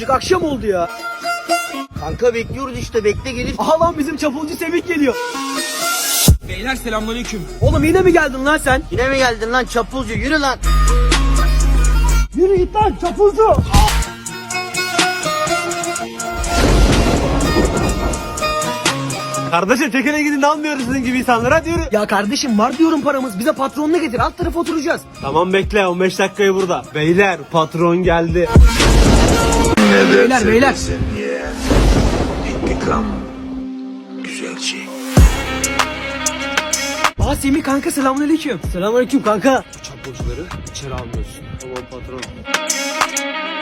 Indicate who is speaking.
Speaker 1: artık akşam oldu ya.
Speaker 2: Kanka bekliyoruz işte, bekle gelir.
Speaker 1: Aha lan bizim çapulcu Semih geliyor.
Speaker 3: Beyler selamünaleyküm.
Speaker 1: Oğlum yine mi geldin lan sen?
Speaker 2: Yine mi geldin lan çapulcu, yürü lan.
Speaker 1: Yürü git lan çapulcu.
Speaker 4: Kardeşim çekene gidin de almıyoruz sizin gibi insanlara, hadi yürü.
Speaker 1: Ya kardeşim var diyorum paramız. Bize patronunu getir. Alt tarafa oturacağız.
Speaker 4: Tamam bekle, 15 dakikayı burada. Beyler patron geldi.
Speaker 1: Beyler.
Speaker 5: İntikam güzel şey.
Speaker 1: Aa Semih kanka selamünaleyküm.
Speaker 4: Selamünaleyküm kanka. Bu çapulcuları içeri almıyorsun. Tamam patron.